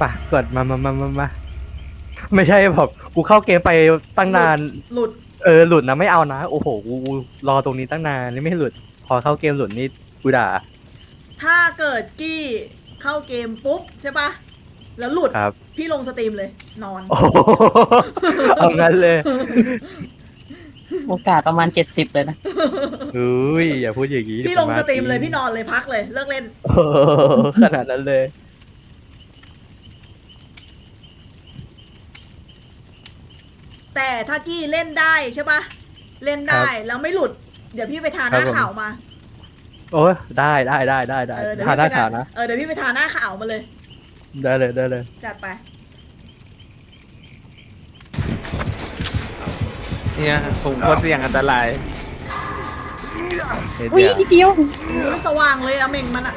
ป่ะกดมาไม่ใช่แบบกูเข้าเกมไปตั้งนานหลุดหลุดนะไม่เอานะโอ้โหกูรอตรงนี้ตั้งนานนี่ไม่หลุด พอเข้าเกมหลุดนี่กูด่าถ้าเกิดกี้เข้าเกมปุ๊บใช่ปะแล้วหลุดครับพี่ลงสตรีมเลย นอนโอ้โหเอางั้นเลยโอกาสประมาณ70เลยนะอุ้ยอย่าพูดอย่างนี้พี่ลงสตรีมเลยพี่นอนเลยพักเลยเลิกเล่นโอ้โหขนาดนั้นเลยแต่ถ้ากี้เล่นได้ใช่ปะเล่นได้แล้วไม่หลุด เดี๋ยวพี่ไปทาหน้าครับผมขาวมาโอ้ยได้เดี๋ยวทาพี่หน้าไปขาวนะเดี๋ยวพี่ไปทาหน้าขาวมาเลยได้เลยจัดไปเนี่ยผมโคตรเสี่ยงอันตรายอุ้ยนิดเดียวอุ๊ยสว่างเลยอะเม่งมันอะ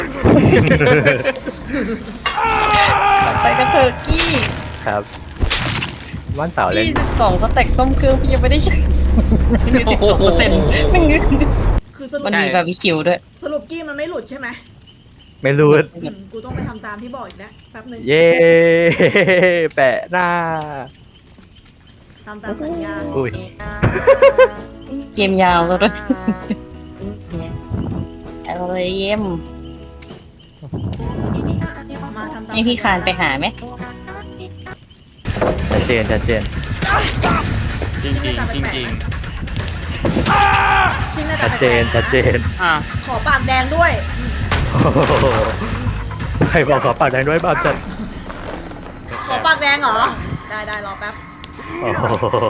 ไปกันเถอะกี้ครับว่านเต่าเล่น 22ก็แตกต้มเครื่องพี่ยังไม่ได้ใช้มี12%ไม่งึกคือสรุปมันมีบาร์บีคิวด้วยสรุปกี้มันไม่หลุดใช่ไหมไม่รู้กูต้องไปทำตามที่บอกอีกแล้วแป๊บหนึงเย่แปะหน้าทำตามสัญญาอุ้ยเกมยาวแล้วด้วยอะไรเยี่ยมมาทำตามให้พี่คานไปหาไหมชัดเจนจริงจริงจริงจริงชิงน่าจะชัดแปเจลนกๆชัดเจนอ่ะขอปากแดงด้วยโอ้โหใครบอกขอปากแดงด้วยบ้างจัดขอปากแดงเหรอ ได้รอแป๊บโอ้โห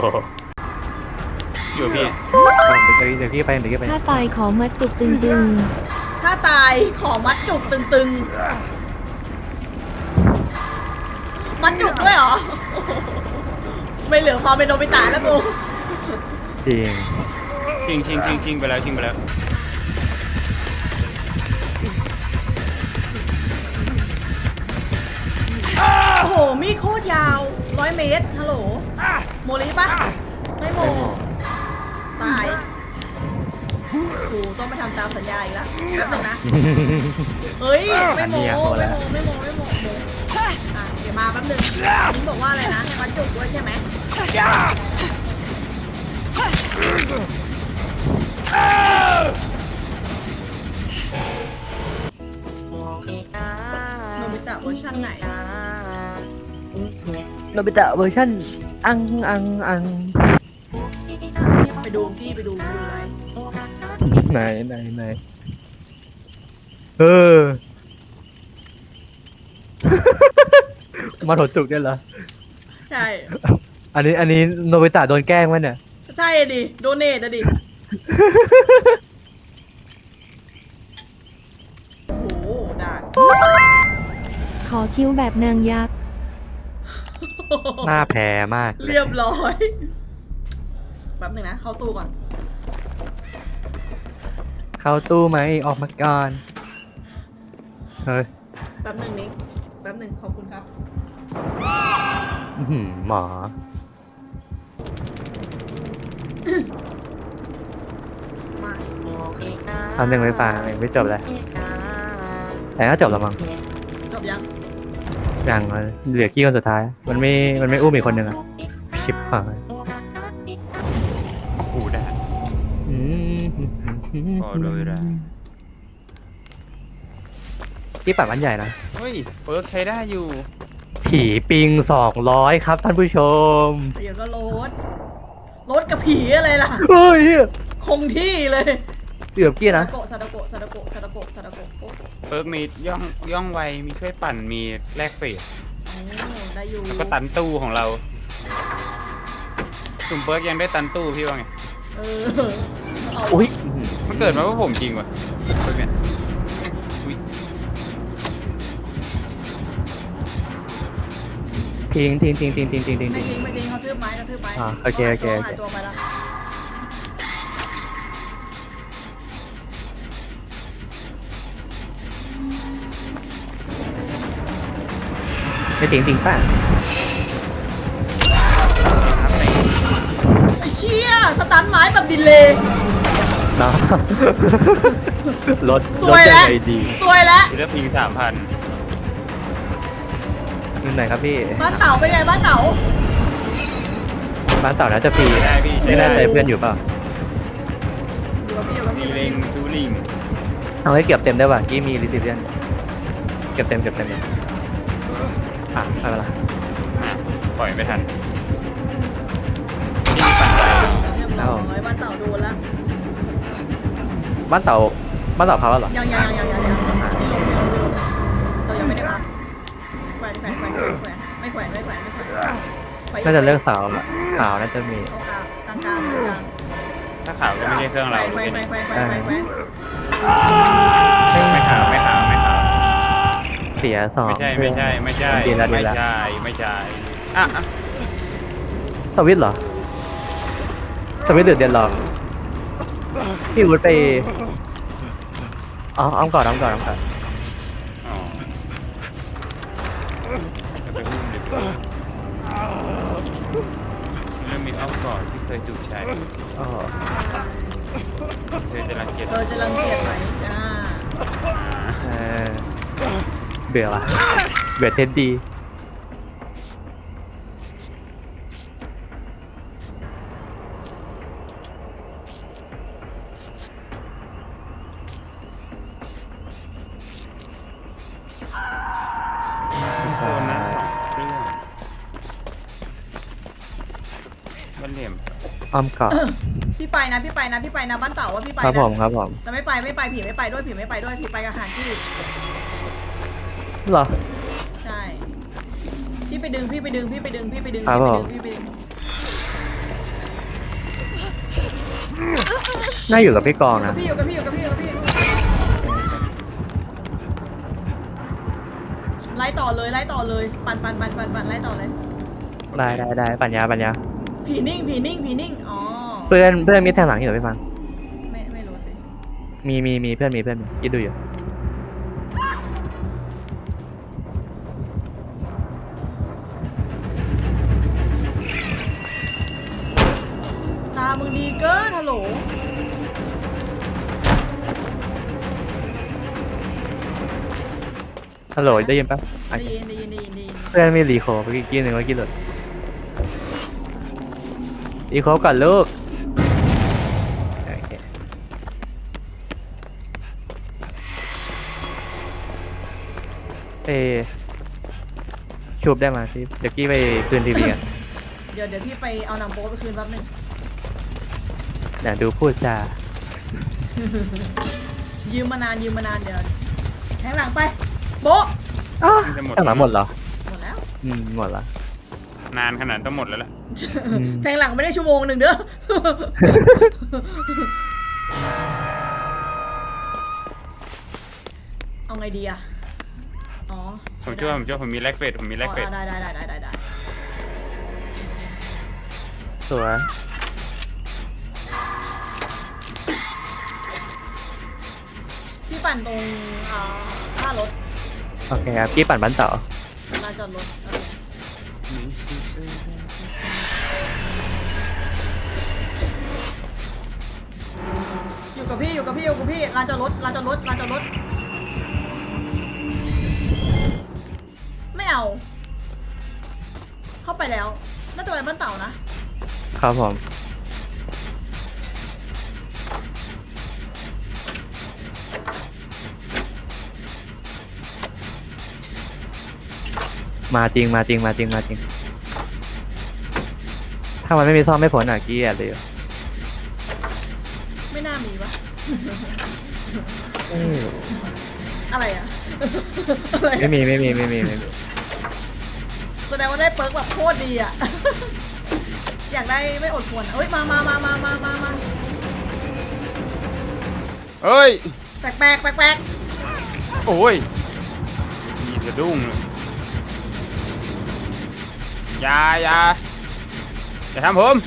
อยู่พี่เดี๋ยวพี่ไปถ้าตายขอมัดจุกตึงถ้าตายขอมัดจุกตึงๆ มัดจุกด้วยเหรอ ไม่เหลือความเป็นโนบิตะแล้วกูจริงชิงไปแล้วชิงไปแล้วโอ้โห มีดโคตรยาว100 เมตร ฮัลโหล โมลิปะไม่โม ตายกูต้องไปทำตามสัญญาอีกแล้วแป๊บนึงนะ เฮ้ย ไม่โมอ่ะเดี๋ยวมาแป๊บนึงนิ้งบอกว่าอะไรนะให้มัดจุกด้วยใช่ไหมโนบิตะเวอร์ชันไหนโนบิตะเวอร์ชันอังไปดูกี้ไปดูไว้ไหนเออ มาถดจุกได้เหรอใช่อันนี้โนบิตะโดนแกล้งไหมเนี่ยใช่ดิ โดเนทอะดิ โอ้โหได้ๆ ขอคิ้วแบบนางยักษ์หน้าแพ้มากลเรียบร้อยแป๊บหนึงนะ เข้าตู้ก่อนเข้าตู้ไหมออกมาก่อนเฮ้ยแป๊บหนึงนิ้งแป๊บหนึงขอบคุณครับอื้อหือหมอมาทำหนึ่งไม่ฟังยังไม่จบเลย แต่ก็จบแล้วมั้งจบยังอย่างเหลือกี้คนสุดท้าย มันไม่อุ้มอีกคนหนึ่งอะชิบหายโอ้โหได้อืมพอเลยนะที่ปัดมันใหญ่นะเฮ้ยเปิร์กใช้ได้อยู่ผีปิง200ครับท่านผู้ชมเดี๋ยวก็รถกับผีอะไรล่ะเฮ้ยคงที่เลยเกือบกี้นะซาดาโกะโอ้เปิร์กมีย่องไวมีช่วยปั่นมีแลกเฟสได้อยู่แล้วก็ตันตู้ของเราสุ่มเปิร์กยังได้ตันตู้พี่ว่าไงเออเอาอุ้ยมันเกิดมาว่าผมจริงวะเปิร์กเนี่ยอุ๊ยทิ้งไม่ทิ้งเขาทืบไม้กระทืบไม้อ่าโอเคหายตัวไปแล้วไม่ทิ้งป่ะไอ้เชี่ยสตันไม้แบบดิเลย์เนาะ รถสวยยัแล้วงไงดีสวยแล้วเลือกพิง3,000 อยู่ไหนครับพี่บ้านเต่าเป็นไงบ้านเต่าบ้านเต่าน่าจะฟรีใช่ได้พี่ไม่ใช่แน่ได้ใจเพื่อนอยู่เปล่าอยู่กับพี่อยู่กับมีพี่เลงซูลิงเอาให้เก็บเต็มได้ป่ะกี้มีรีซิเลียนเก็บเต็มเลยอ่ะไม่เป็นไรปล่อยไม่ทันนี่ปั่นไปเรียบร้อยบ้านเต่าโดนแล้วบ้านเต่าพับแล้วเหรอยังไม่ลงเต่ายังไม่ได้พับแขวนไม่แขวนน่าจะเลือกสาวละสาวน่าจะมีกลางถ้าขาวก็ไม่ใช่เครื่องเราแขวนไม่ขาวไม่ขาวไม่ขาวเสียสองไม่ใช่ไม่ใช่ไม่ใช่ดีแล้วไม่ใช่ไม่ใช่อ่ะสวิตช์เหรอสวิตช์หรือเดนล็อกพี่วุฒิไปอ๋ออ้อมก่อนอ๋อจะไปหุ้มดีกว่าเรื่องมีอ้อมกอดที่เคยถูกใช้อ๋อเธอจะรังเกียจเธอจะรังเกียจไหมจ้าเออเบื่อว่ะเบื่อเท็ดดีโซนนะ2 เครื่องบ้านเหลี่ยมอ้อมก่อนพี่ไปนะบ้านเต่าว่าพี่ไปครับนะผมครับผมแต่ไม่ไปผีไม่ไปด้วยผีไปกับหางที่เหรอใช่พี่ไปดึงครับผม น่าอยู่กับพี่กองนะอยู่กับพี่ไล่ต่อเลยปั่นไล่ต่อเลยได้ปัญญาผีนิ่งอ๋อเพื่อนมีแทงหลังอยู่เหรอพี่ฟังไม่รู้สิมีเพื่อนคิดดูอยู่ตามึงดีเกินฮัลโหลฮัลโหลได้ยินปะได้ยินเพื่อนมีรีโคไปกี้หนึ่งว่ากี้หลุดรีโคก่อนลูกโอเคชูบได้มาสิเดี๋ยวกี้ไปคืนทีวีกันเดี๋ยวพี่ไปเอานำโป๊ไปคืนแป๊บนึงเดี๋ยวดูพูดจายืมมานานเดี๋ยวแทงหลังไปโบ๊ะจะหมดแทงหลังหมดเหรอหมดแล้วหมดละนานขนาดต้องหมดแล้วล่ะแทงหลังไม่ได้ชั่วโมงหนึ่งเด้อ เอาไงดีอะอ๋อผมช่วยผมมีแลกเฟสได้ได้สวยพี่ปั่นตรงท่ารถโอเคครับกี้ปั่นบ้านต่อลานจอดรถโอเคอยู่กับพี่ลานจอดรถไม่เอา เข้าไปแล้วน่าจะไปบ้านเต่านะครับผมมาจริงถ้ามันไม่มีซ่อมไม่ผลอ่ะกี้แอบเลยอยู่ไม่น่ามีวะ อะไรอะ อะไรอะไม่มีแสดงว่าได้เปิร์กแบบโคตรดีอะ อยากได้ไม่อดควรเอ้ยมาเอ้ยแปลกโอ้ยมีสะดุ้งเลยอย่าทำผม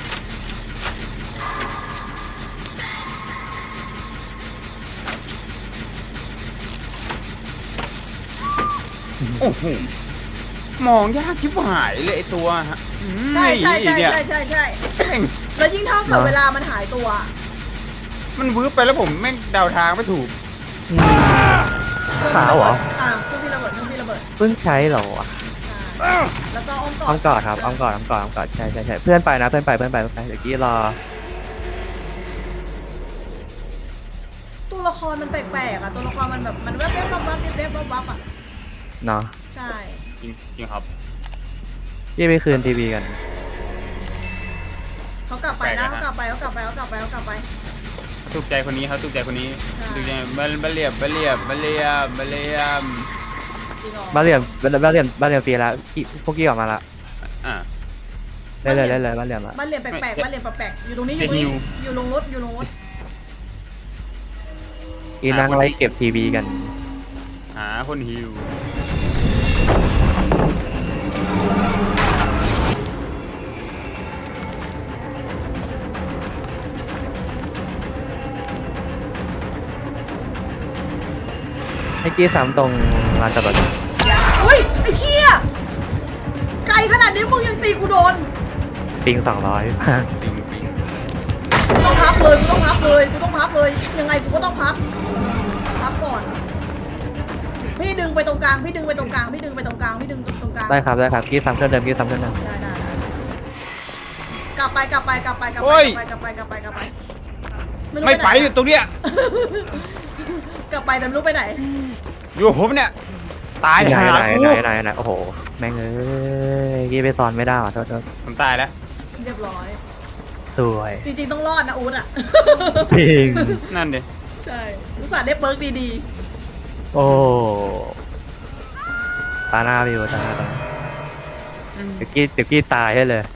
โอ้โหมองยากชิบหายเลยไอตัวอืมใช่เนี่ย แม่งแล้วยิ่งเท่ากับเวลามันหายตัวมันวืบไปแล้วผมแม่งเดาทางไม่ถูกขาวเหรอเครื่องพี่ระเบิดเพิ่งใช้เหรอวะใช่แล้วก็อ้อมกออ้อดมกอดครับอ้อมกอดใช่เพื่อนไปนะเพื่อนไปเดี๋ยวกี้รอตัวละครมันแปลกๆอ่ะตัวละครมันแบบมันแวบๆวับๆแวบๆวับๆอ่ะเนาะใช่จริงครับยี่ไปคืนทีวีกันเขากลับไปนะเขากลับไปถูกใจคนนี้ครับถูกใจคนนี้ใช่ถูกใจบะเหลี่ยมจริงเหรอบ้านเรียนฟรีแล้วพวกกี้ออกมาละอ่าได้เลยบ้านเรียนละบ้านเรียนแปลกๆบ้านเรียนแปลกๆอยู่ตรงนี้จะหิวอยู่ลงรถอยู่ลงรถอีนั่งไล่เก็บทีวีกันหาคนหิวให้กี้ซ้ำตรงลานจอดรถอุ้ยไอ้เชี่ยไกลขนาดนี้มึงยังตีกูโดนปิง200 ปิงกูต้องพับเลยยังไงกูก็ต้องพับก่อนพี่ดึงไปตรงกลางได้ครับกี้ซ้ำเครื่องเดิมได้กลับไปไม่ไปอยู่ตรงเนี้ยกลับไปแต่ไม่รู้ไปไหนอยู่ผมเนี่ย ตายไหนหากูโอ้โหแม่งเอ้ยกี้ไปซ้อนไม่ได้ว่ะโทษผมตายแล้วเรียบร้อยสวยจริงๆต้องรอดนะอู๊ดอ่ะปิงนั่นดิใช่อุตส่าห์ได้เบิร์กดีโอ้ตาหน้าไปอยู่ตาหน้าเดี๋ยวกี้ตายให้เลย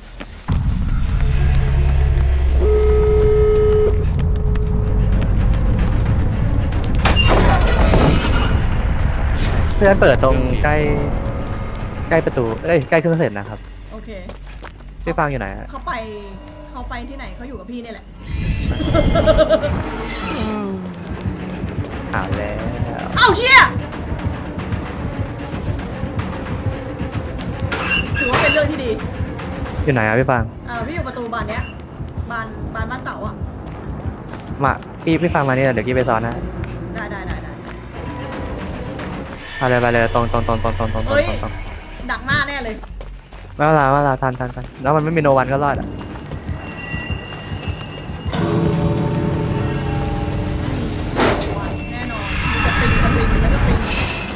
เพื่อนเปิดตรงใกล้ประตูใกล้เครื่องเสร็จนะครับๆโอเคพี่ฟังอยู่ไหนฮะเขาไปที่ไหนเขาอยู่กับพี่นี่แหละเอาแล้วเอ้าเชี่ยถือว่าเป็นเรื่องที่ดีอยู่ไหนอะพี่ฟังพี่อยู่ประตูบานเนี้ยบานบ้านเต๋าอ่ะมาพี่ฟังมานี่เดี๋ยวกี้ไปซ้อนนะได้ไปเลยตรงเฮ้ย ดักหน้าแน่เลยไม่เวลาทันแล้วมันไม่มีโนวันก็รอดอ่ะแน่นอนมีแต่ปิงแล้วก็ปิง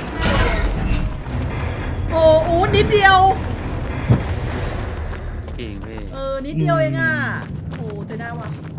โอ้อู๊ดนิดเดียวจริงพี่นิดเดียวเองอ่ะโอ้แต่ได้ว่ะ